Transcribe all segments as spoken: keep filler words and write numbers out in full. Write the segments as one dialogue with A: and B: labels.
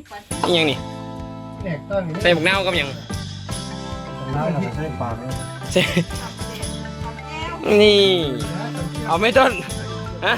A: นี่ยังนี่ใส่บุกเน่ากับยังใส่ปากใส่นี่เอาไม่ต้นฮะ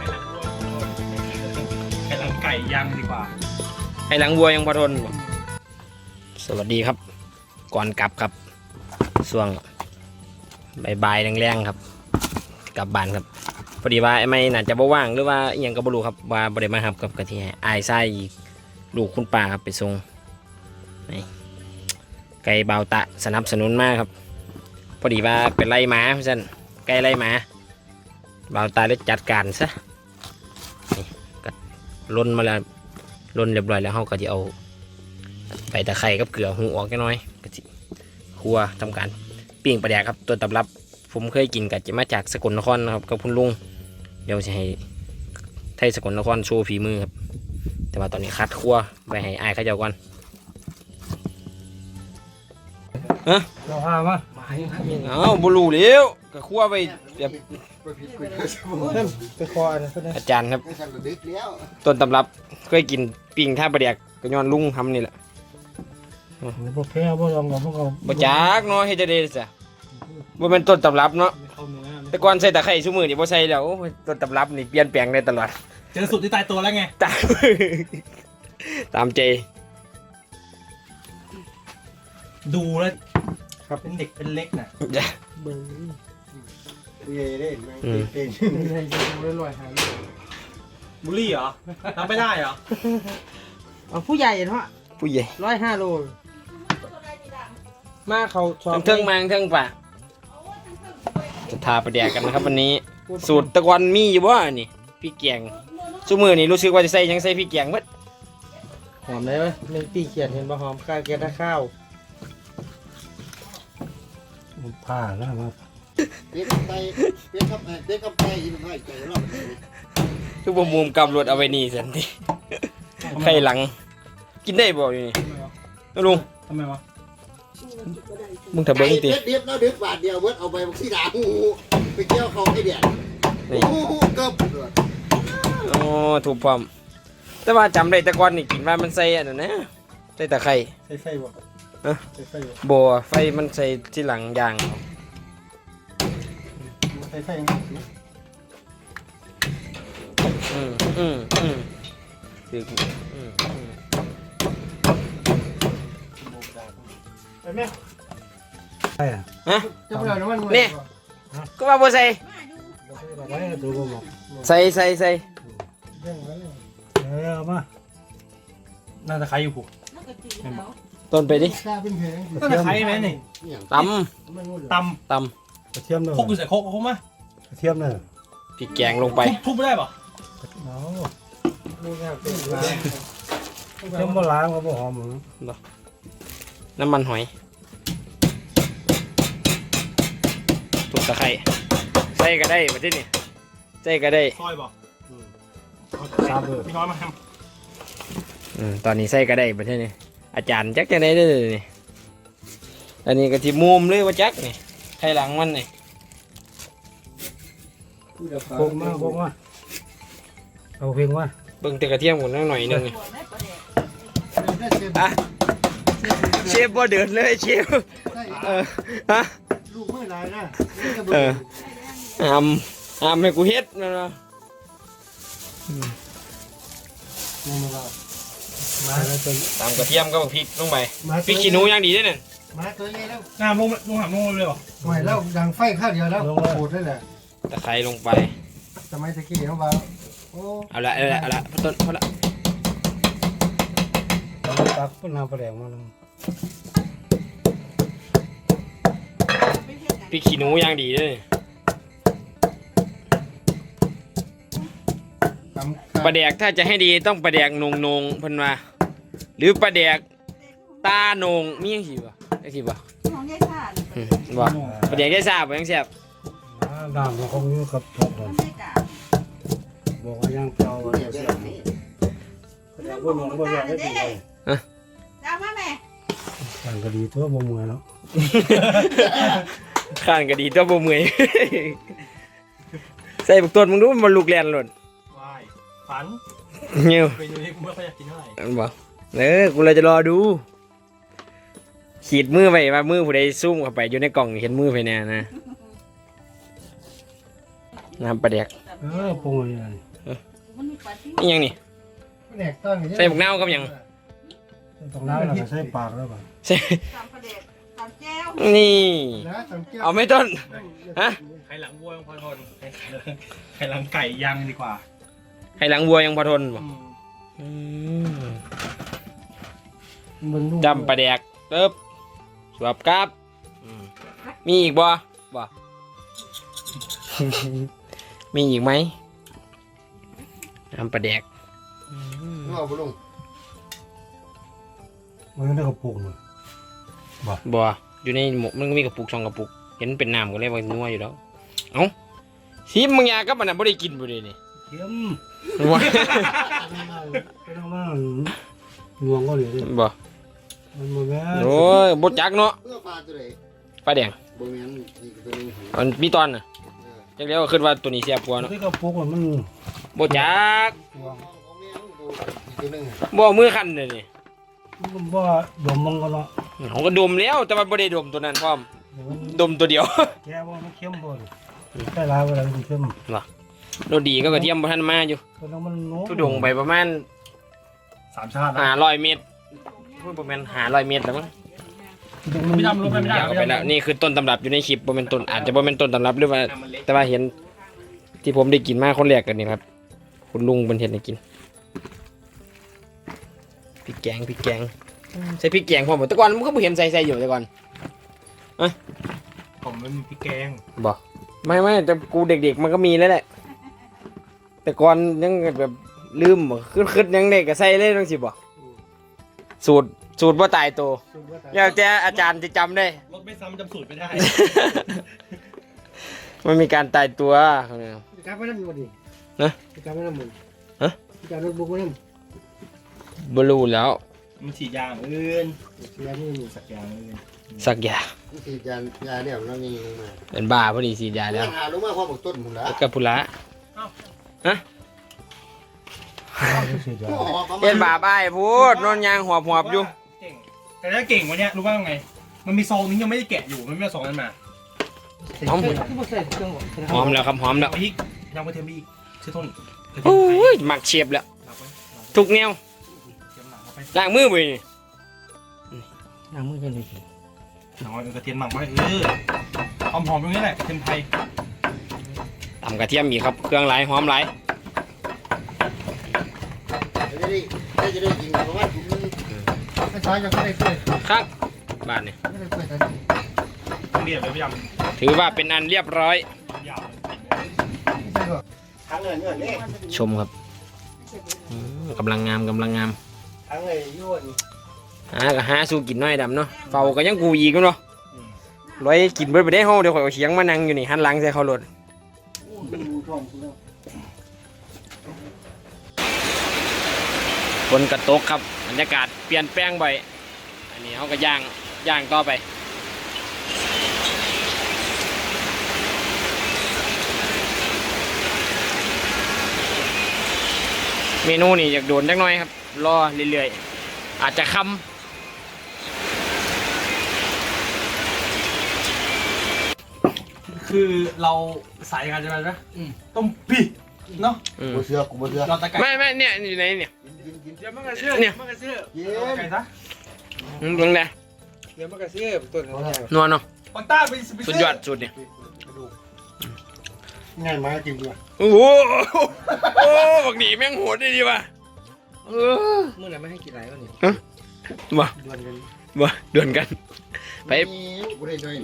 B: ไข่หลังไก่ย่างดีกว่า
A: ไข่หลังวัวยังพอทนสวัสดีครับก่อนกลับครับช่วงบ่ายๆแรงๆครับกลับบ้านครับพอดีว่าไอ้ไม่น่าจะบ่ว่างหรือว่าอหยังก็บ่รู้ครับว่าบ่ได้มาครับกับกะทิอายไส้ลูกคุณป้าครับไปส่งนี่ไก่เบาตะสนับสนุนมากครับพอดีว่าเป็นไล่หมาพี่สันไก่ไล่หมาเบาตาเลยจัดการซะนี่ก็ล้นมาแล้วล้นเรียบร้อยแล้วเขาก็จะเอาใบตะไคร้กับเกลือหูออกแค่น้อยก็จะครัวทำการปิ้งปลาแดกครับตัวตำรับผมเคยกินกับจะมาจากสกลนครนะครับกับคุณลุงเดี๋ยวจะให้ไทยสกลนครโชว์ฝีมือครับแต่ว่าตอนนี้คัดครัวไปให้อายเขาเจ้าก่อนฮะ
B: เราพามา
A: เอาบุรูเลี้ยวก็ครัวไปแบบ
B: ไปคออะไร
A: อาจารย์ครับต้นตำรับเคยกินปิ้งท่าปลาแดกก็ย้อนลุงทำนี่แหละ
B: บ่แพ้บ่ลองกับพวกเขา
A: บ่จักเนาะเฮ็ดจะได้ซะบ่เป็นต้นตำรับเนาะแต่ก่อนใส่ตะไคร้ซุมื้อนี่บ่ใส่แล้วต้นตำรับนี่เปลี่ยนแปลงได้ตลอด
B: เจอสูตรที่ตายตัวแล้วไง
A: ตามตามใจ
B: ดูแล้วครับเป็นเด็กเป็นเล็กน่ะ
A: จ้ะ
B: เบิ่งเย่เด้แม่งเป็นให้ดูลอยๆหาบุลี่เหรอทำไม่ได้เหรอ
C: เอาผู้ใหญ่เนาะ
A: ผู้ใหญ่
C: ร้อยห้าโลมาเขา
A: ชอบเทิงมาเทิงป่ะจะทาปลาแดกกันนะครับวันนี้สูตรตะกอนมีอยู่บ่นี่พี่แกงซุมื้อนี่รู้สึกว่าจะใส่ยังใส่พี่แกงเบิด
C: หอมได้ไหมหนึ่งปีเขียนเห็นบ่หอมข้าวแกงข้าว
B: ผ่าแล้วครับ
D: เด็กกับไปเด็กกับเด็กกับไปยินให้ใจรอบ
A: ทุกมุมกำรถเอาไว้นี่สันทีไข่หลังกินได้บ่อยู่นี่ลุง
B: ทำไมวะ
A: มึงถ้าเบิ้งติ
D: เด็กแล้วเด็กบาทเดียวเบิดเอาไปที่ด่าหูไปเกี่ยวเขาไอ้เดียดหูเกือบ
A: โอ้ถูกพร้อมแต่ว่าจำได้แต่ก่อนนี่กินว่ามันใส่อันนั้นนะใส่ตะไคร้
B: ใส่ไฟบ่
A: เออใส่ไฟบ่ไฟมันใส่ที่หลังยาง
B: ใส่ไฟ
A: อืมอืมอืมคืออืม
B: ไปแม่
A: ใช่ฮะนี่ก็ว่าบ่ใส่ใส่ใส่ใส่
B: เออมาน่าจะใครอยู่ผูก
A: ต้นไปดิ
B: น่าจะใครไหมนี่
A: ต
B: ำต
A: ำต
B: ำกระเทียมเลยโคกอยู่ใส่โคกเขาไหมกระเทียมเลย
A: พี่แกงลงไป
B: ทุบไม่ได้ป่ะเทียมโบราณเขาบอกหอม
A: น้ำมันหอยถูกตะไคร้ใส่ก็ได้มาที่นี่ใส่ก็ได้
B: ซอยบ่ซาเบอร์พี่น้อยมาท
A: ำตอนนี้ใส่ก็ได้มาที่นี่อาจารย์จักจะได้เลยนี่อันนี้ก็ที่มุมเลยว่าจักนี่ไข่หลังมันนี่
B: โค้งมาโค้งมาเอาเพียงว่า
A: เบิ่งแต่กระเทียมหมดหน่อยนึงอ่ะเชฟบ่เดือดเลยเชฟเออฮะ
D: ลูกเมื่อไรนะ
A: เออทำทำให้กูเฮ็ดนะเนาะตามกระเทียมก็พริกลงไปพริกขี้หนูยังดีด้วยเนี่ย
D: มาตัวนี้แล้ว
B: น้ำลงลงหามลงเลยเหรอ
D: ไม่แล้วดังไฟข้าวเดียวแล้วโคตรได้แหละ
A: ตะไคร้ลงไป
D: สมัยตะกี้เขาบอก
A: เอาละเอาละเอาละพอต้นพอละ
B: ตักพุ่นน้ำปลาแดงมาลง
A: พริกขี้หนูยังดีด้วยปลาแดกถ้าจะให้ดีต้องปลาแดกนงนงพันมาหรือปลาแดกตาโหนงมียังสิบ่ไอ้สิบ่ของยายซ่าบ่ปลาแดกยายซ่าบ่ยังแซ่บ
B: น้ำมันคงอยู่กับพวกนั้นบอกว่ายังเปล่าเนี่ยเสียบนี่แต่พวกน้องบ่อยากให้ดีเลยฮะเอามาแม่ข้านก็ดีตัวบ่เมื่อยแล้ว
A: ข้านก็ดีตัวบ่เมื่อยใส่บักต้นมึงดูมันลูกแล่นหล่น
B: ฝัน
A: เงี้ยว
B: ไปดูนี่กูไม่ค่อยอยากกินเท่าไหร่
A: บ่เออกูเลยจะรอดูขีดมือไปว่ามือผู้ใดซุ่มเข้าไปอยู่ในกล่องเห็นมือไปเนี่ยนะน้ำปลาแดก
B: เออปรุงอะไรนี่
A: นี่ยังนี่
C: แดกต้อง
A: ใส่บุกเน่ากับหยัง
B: ตรงนั้นเราก็ใส่ปากแล้วป่ะ
A: ใส่
E: ตำปลาเด็ดตำแก้ว
A: นี่
C: นะสำเกียว
A: เอาไม่ต้นฮะ
F: ไข่หลังวัวยังพอทนไข่หลังไก่ยังดีกว่า
A: ให้หลังวัวยังพอทนบ่อืม
B: มันลูก
A: จำปลาแดกเติบสวบกับอืมมีอีกบ่บ่ มีอีกไหมจำปลาแดก
D: นึกเอาไปลง
B: มันได้กระปุกเลย
A: บ่อยู่ในหมกมันก็มีกระปุกสองกระปุกเห็นเป็นน้ำก็เลยว่านัวอยู่แล้วเอ้าซีมึงยากับมันน่ะบ่ได้กินบ่ได้นี่
B: เค็ม
A: ว่า
B: ไปทางมาหน่วงก็เหลือดิ
A: บ่
B: มันบ่แม่น
A: โอ้ยบ่จักเนาะ
D: เพื่อปลาตัวไหน
A: ปลาแดง
D: บ่แม่นอีกตัวหนึง
A: มันมีตอนน่ะจักแล้วก็คิดว่าตัวนี้เสียบกว่าเนาะ
B: ได้กระปุกมัน
A: บ่จัก
D: ของแม่มันตัวอีกตัวหนึง
A: บ่เอามือคันเลยนี่
B: มันบ่ดมมันก็เนาะ
A: เขาก็ดมแล้วแต่ว่าบ่ได้ดมตัวนั้นพร้อม
B: เดี๋ยวมัน
A: ดมตัวเดียว
B: แกว่ามันเค็มบ่ดิใส่ลายเวลามันเค็ม
A: โดดีก็กระเทียมบ่ทันมาอยู่
B: ตัวนั้นมันโน้ม
A: ทุดงไปประมาณ
F: สามชาติ
A: ห้าร้อยเมตรพูดประมาณห้าร้อยเมตรแล้วมั้ง
F: ไม่ทำลงไปไม่ได้
A: ยาวไปแล้วนี่คือต้นตำรับอยู่ในคลิปบ่แม่นต้นอาจจะบ่แม่นต้นตำรับหรือว่า แต่ว่าเห็นที่ผมได้กินมาคนแรกกันนี่ครับ คุณลุงเป็นเห็นให้กินพริกแกงพริกแกงใส่พริกแกงพร้อมบ่แต่ก่อนมันก็บ่เห็นใส่ใส่อยู่แต่ก่อน
F: ผมมันมีพริกแกง
A: บ่ไม่ไม่แต่กูเด็กๆมันก็มีแล้วแหละ แต่ก่อนยังแบบลืมบ่ขึ้นขึ้นยังเด็กก็ใส่เลยจังซี่บ่สูตรสูตรบ่ตายตัวแล้วแต่อาจารย์จะจำได้
F: รสไม่ซ้ำจำสูตรไม่ได้
A: มันมีการตายตัว
C: การไม่น้ำมันดิ
A: นะ
C: การไม่น้ำมัน
A: ฮะ
C: การรถบุกไม่น้
A: บรูแล้ว
F: มันฉีดยางอื่น
C: ำเสียนี่
F: สักยางอื่น
A: สักอยาง
D: นี่คือยานยาเนี่ยเรานี่ลงมา
A: เป็นบ้าพอดีสีดยาแล้ว
D: หาลงมาพอบอกต้นหมุนละ
A: แล้วกับพุระ
D: โอ้โหประมา
A: เอ็
D: ณ
A: นบาบ้ายพูดนอนยางหอบหอบอยู่
F: เก่งแต่ถ้าเก่งวันเนี้ยรู้ว่าไง มันมีซองนี้ยังไม่ได้แกะอยู่มันไม่เอาซองนั้นมา
A: หอม
C: ที่ผมใส่เครื่อง
A: หอมแล้วครับหอมแล้ว
F: เอาพริกยังไปเทียมอีกชื่อต้นกระเที
A: โอ้
F: ยมไทย
A: ยหมักเฉียบแล้ว
F: หมักไว้
A: ทุกแนว
F: เทียมหมักเข้าไป
A: ล้างมือไปนี่
C: น้ำมือกันเลย
F: หมักไว้กระเทียมหมักไว้เออหอมๆตรงนี้แหละกระเทียมไทย
A: ตำกระเทียมอีกครับเครื่องหลายหอมหลาย
D: จะได้ได้จะได้ยิงประมาณถุงนึง
C: ไม่ใช่ยังไม่ได้เกิด
A: ครับบ้านนี่
C: ไม่ได้เกิด
F: ต้องเรียบเลยพี่ย
A: ถือว่าเป็นอันเรียบร้อย
F: ำยาวเลย
D: ทั้งเงินเงินนี่
A: ชมครับอืมกำลังงามกำลังงาม
C: ทั้งเลยยุ่น
A: หาก็หาสู้กินน้อยดำเนาะเฝ้าก็ยังกูอีกเนาะร้อยกินเบิดไปได้ห้องเดี๋ยวข่อยเอาเฉียงมานั่งอยู่นี่หันหลังใส่เขารถฝนกระตกครับบรรยากาศเปลี่ยนแปลงบ่อยอันนี้เขาก็ย่างย่างต่อไปเมนูนี่อยากโดนจักหน่อยครับรอเรื่อยๆอาจจะคำ
F: คือเราสายกันใช่ไหมนะต้มปีเนาะ
A: อืม
D: กูเชื่อกูเชื่อ
F: เราตะไก่
A: ไม่ไม่เนี่ยอยู่ไหนเนี่ย
D: กินกิน
F: เดี๋ยวมันกระเชื่อ
A: เนี่ย
F: มันกระเชื่อ
D: กิน
F: เอาไก่ซะ
A: อืมตรงไหน
C: เดี๋ยวมันก็เสียต้น
A: นัวเนาะ
F: ปอนต้าไปไป
A: สุดยอดสุดเนี่ย
B: ง่ายมากจริงด้วย
A: โอ้โหโอ้บักหนีแม่งโหดได้ดีว่ะเออ
C: เมื่อไหร่ไม่ให้กินอะไรวะเนี่ย
A: บ่
B: ดวนกัน
A: บ่เดือนกัน ไป
D: กูได้ด้วย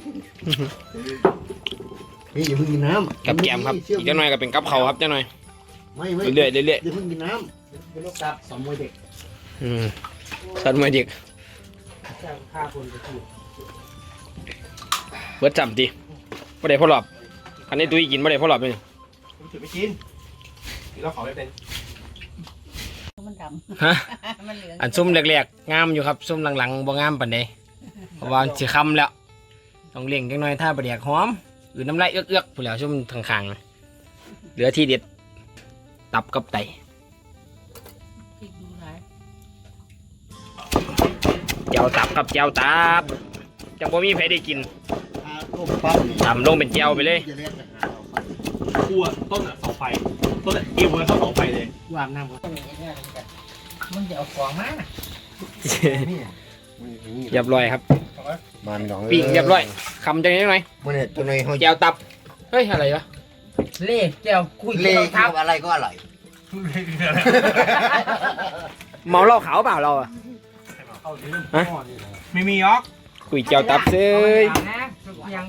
D: นี่อย่าเพิ่งกินน้ำ
A: กับแกมครับอีกเจ้าหน่อยก็เป็นกับเขาวครับเจ้าหน่อย
D: ไม่ไม่
A: เรื่อยๆเรื่อย
D: อย่าเพิ่งกินน้
C: เป็นลูกตับสองมวยเด็ก
A: ๆอืมสัตว์มาเด็ก
C: จ้างฆ่าคนไปถูก
A: เบิดจำดีบ่ได้พ่อหลอบคันนี้ตุ้ยกินบ่ได้พ่อหลอบเลย
F: ผมถือไม่กินเราขอไม่เป็น
E: มันด
A: ฮะ
E: ำมันเหลือง
A: อันซุ่มแรกๆงามอยู่ครับซุ่มหลังๆบ่งามปานใดเพราะว่าสิค่ำแล้วต้องเลี้ยงจังหน่อยถ้าบ่แดกหอมอือน้ำลายเอื้อกๆผู้นแหล้วซุ่มข้างๆเหลือที่เด็ดตับกับไต
E: พริกดูหลาย
A: เจียวตับครับเจียวตับจังบ่มีใครได้กิน
D: ลูกปั้น
A: ทำลงเป็นเจียวไปเลย
F: ขั้วต้นอ่ะเสาไฟต้นอ่ะเอวเลยเข้าเสาไฟเลย
C: วางน้ำก่อนมันจะเอาของมา
A: เรียบร้อยครับ
D: มันน้อง
A: ปิ้งเรียบร้อยคำจังนี้หน่อย
D: มันเนี่ยตัวในห้อง
A: เจียวตับเฮ้ยอะไรวะ
C: เล่แก้วคุย
D: เล่
C: แก้วทับ
D: อะไรก็อร่อย
A: เมาเหล้าขาวเปล่าเราอะ ฮะ
F: ไม่มียอก
A: คุยเจียวตับเซ้ย
C: นะยัง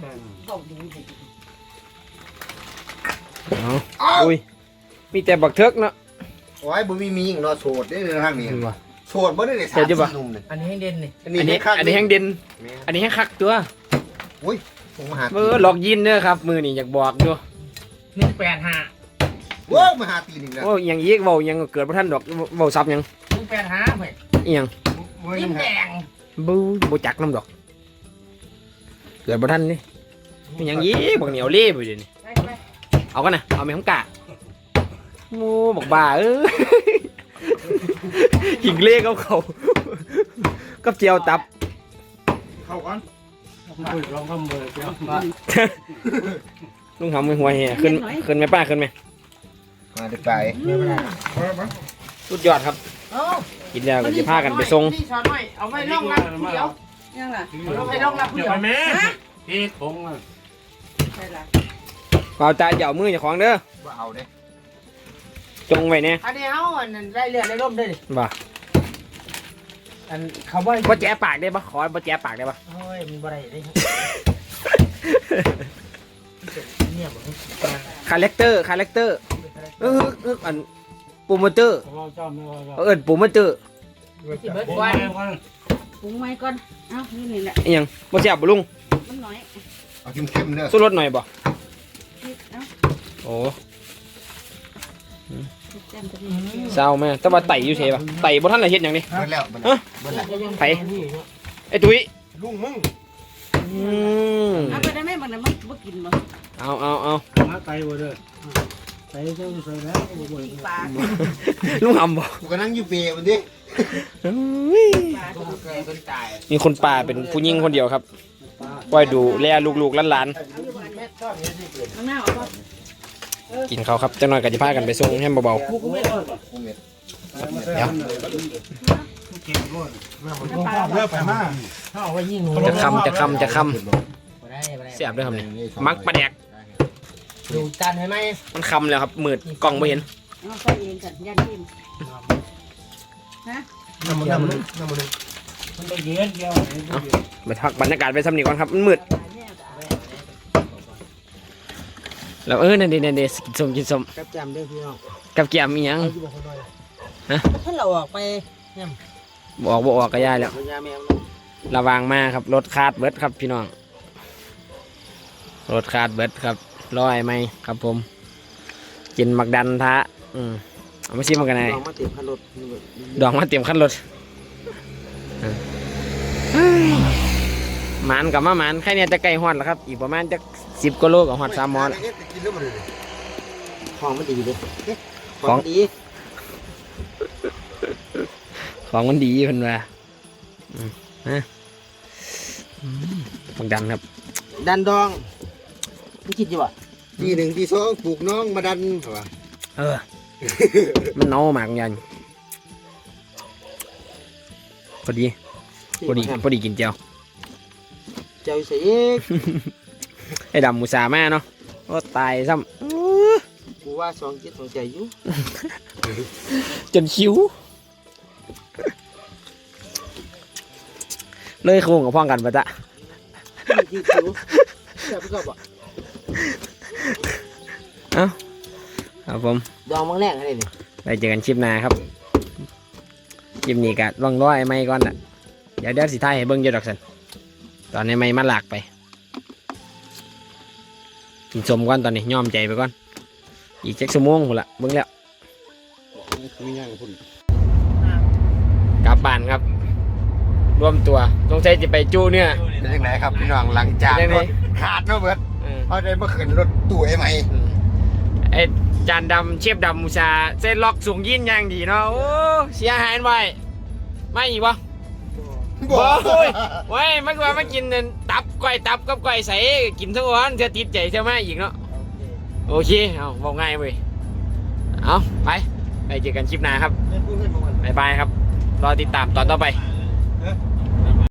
A: เอาอุ้ยมีแต่บักเทิกเนาะ
D: โอ้ยบ่มีมีหญิงรอโสดได้เลยทางนี้
A: เห็นปะ
D: โสดบ่ได้เลยสาม
A: เดี๋ยวจะบอก
D: สี่หนุ่มเลย
C: อันนี้ให้เด่นนี่
D: อัน
A: อัน
D: นี้
A: นี้
D: คัก
A: อันนี้แห้งเด่น
D: แม่
A: อันนี้แห้งคักตัว
D: อุ้ยผมมาหา
A: เออหลอกยินเด้อครับ มือนี่อยากบอกอยู่
C: หนึ่งแปดห้า
D: โว้ยมาหาตีนอีกแล้ว
A: โอ้ยยังยีกเว้ายังเกิดบ่ทันดอกเว้าซับยัง
C: หนึ่งแปดห้าเว้ย
A: อีหยัง
C: ยิ้มแดง
A: บูบ่จักน้ำดอก เกิดบ่ทันนี่มันยังยีกบักเหนียวเล่ไปเดี๋ยวนี้
C: ไปไป
A: เอากันนะเอาไหมของกะโอ้บอกบ้าเออ หิงเล่กับเขากับเจียวตับ
F: เข้าก่อน
B: ลองทำเลยเจ้า
A: ลุงทำมือหัวเฮียขึ้นขึ้นไหมป้าขึ้นไหม
D: มาได้ไป
A: สุดยอดครับ
C: เอ้า
A: กินแล้วก็จะพากันไปส่ง
C: นี่ช้อนหน่อยเอาไว้ร่องรับผู้เดียว
E: ยังล่ะ
C: เอาไว้ร่องรับผู้
F: เดี๋ย
C: เดี
F: ว
C: ยว
F: ไปแม่
B: พี่ทงอ่ะ
E: ใช่ล่ะ
A: เปล่าตาเดี๋ยวมืออย่าของเด้อ
D: ว่าเอาเด้
A: จงไว้เนี่ย
C: อันนี้เอาอันนั้นได้เลือดได้ร่มได้ดิ
A: บ่า
C: อันเขาว่า
A: บ่แจ๊ปากได้ปะขอบ่แจ๊ปากได้ปะ
C: โอ้ยมันบ่ได้ได้เนี่ยบ่
A: คาแรคเตอร์คาแรคเตอร์เออเอออันโปรโมเตอร์
B: เราจำไม่ว่า
A: เออโปรโมเตอร์
C: สิเบิด
B: โอ้
C: วัน
B: ยวัน
E: ปรุงไว้ก่อนเอ้านี่นี่แหละ
A: อีหยังบ่แซ่บบ่ลุง
E: มันน้อย
D: เอาเข้มๆเด้อ
A: สู้รสหน่อยบ่
E: พริกเอ้า
A: โอ้
E: พริกแจ่มจะมี
A: เศร้าแม่แต่ว่าไต่อยู่เฉยปะไต่บ่ทันละเฮ็ดหยังนี่
D: เบิดแล้วเบิด
A: ฮะ
D: แล้วเบิดแล้ว
A: ไผไอ้ตุ้ย
B: ลุงมึง
A: อืม
E: เอาไปได้ไหมบางนั้นมันบ่กินบ่
A: เอาเอาเอา
B: มาไตวะเด้อไตเจ้าใส่แล้วโอ้โห
E: ปีปลา
A: ลุงหำบ่
D: กูก็นั่งอยู่เปรย์มันดิ
A: เฮ้ย
E: ปลา
C: เกิดเป็นตาย
A: มีคนป่าเป็นผู้หญิงคนเดียวครับไว้ดูแลลูกๆหลาน
C: แม่ชอบนี่สิเกิด
E: ข้างหน้าเอาบ่
A: ๆกินเขาวครับจังหน่อยก็จะพากันไปส่งให้เบา
B: กูก็ไม่รอด
D: กูเม็ด
A: เดี๋ยว
B: เลิกไปมาก
C: เขาเอาไว้ยิงหนู
A: ๆจะคำจะคำจะค
C: บ่ได้บ่ได้
A: ำเสียบด้วยครับนี่มักปลาแดก
C: ดูจานให้ไหม
A: มันคำแล้วครับมืดกล้องไม่เห็น
E: เอาใส่เองกันยันทิมฮะ
C: น้ำมันน้ำมันน้ำมัน
B: มันไปเยือนเกี่ยว
A: ไปพักบรรยากาศไปสำนีก่อนครับมันมืดแล้วเออนั่นเดนั่นเดกินส้มกินส้ม
C: กับจำด้วยพี่น้อง
A: กับแกมอีหยัง
C: เอาอยู่บ่คนน้อย
A: ฮะ
C: ถ้าเราออกไปเนี่ย
A: บอกบอกออกก็ย่ายแล้ว
C: พญาแมว
A: ระวังมากครับรถคาดเบิดครับพี่น้องรถคาดเบิดครับร้อยไหมครับผม กินมักดันทะอืมเอามาชิมกันหน่อย
C: ลองมาเตรียมขันรถ
A: ดองมาเตรียมขั้นรถหมันกับมาหมันแค่เนี้จะไกลฮอดแล้วครับ อีกประมาณจะสิบกิโลกับฮอดสามหมอน
D: กินแล้วมันเลย
C: ของมันดีเลย
A: ของ
C: ดี
A: ของมันดีเพิ่นว่าอืมฮะอืมบักดันครับ
C: ดันดองมึงคิดอยู่ป่ะ
D: ทีหนึ่งทีสองปลูกน้องมาดันเหรอ
A: เออ มันเน่ามากยันพอดีพอดีพอดีกินเจียว
C: เจ้าเสีย
A: ไอ้ดำมูสามาเนาะก็ตายซ้
C: กูว่าสองจิตสองใจอยู่
A: ำจนคิ้ว เลยโค้งกับพ่องกันปะจ๊ะ
C: คิดอยู่เจ้าพี่ก็บอก
A: เอ้าครับผม
C: ดองมังแรงอะไรนี่
A: ไปเจอกันคลิปหน้าครับคลิปนี้ก็ล่องร้อยไม่ก่อนอ่ะเดี๋ยวเดี๋ยวสิท้ายให้เบิ้งเยอะดอกสันตอนนี้ไม่มาหลากไปกินสมก่อนตอนนี้ยอมใจไปก่อนอีกเจ็ดชั่วโมงหมดละเบิ้งแล้ว
D: มีอย่างคุณ
A: กลับบ้านครับรวมตัวสงสัยจะไปจู้เนี่ย
D: เป็นยังไงครับพี่น้องหลังจาก
A: เป็นยังไง
D: รถขาดเนาะเบิร์ด
A: เออ
D: เขาได้มาขึ้นรถตู้ไอ้ใหม่
A: ไอ้จานดำเชฟดำมูชาเส้นล็อกสูงยินอย่างดีเนาะโอ้เสียหายไว้ไม่อีกวะบ่โอ้ยไว้มันว่ามากินนั่นตับก้อยตับกับก้อยใส่กินทั้งวันจะติดใจเท่ามาอีกเนาะโอเคเอาบอกง่ายเว้ยเอาไปไปเจอกันคลิปหน้าครับบ๊ายบายครับรอติดตามตอนต่อไป
F: เออ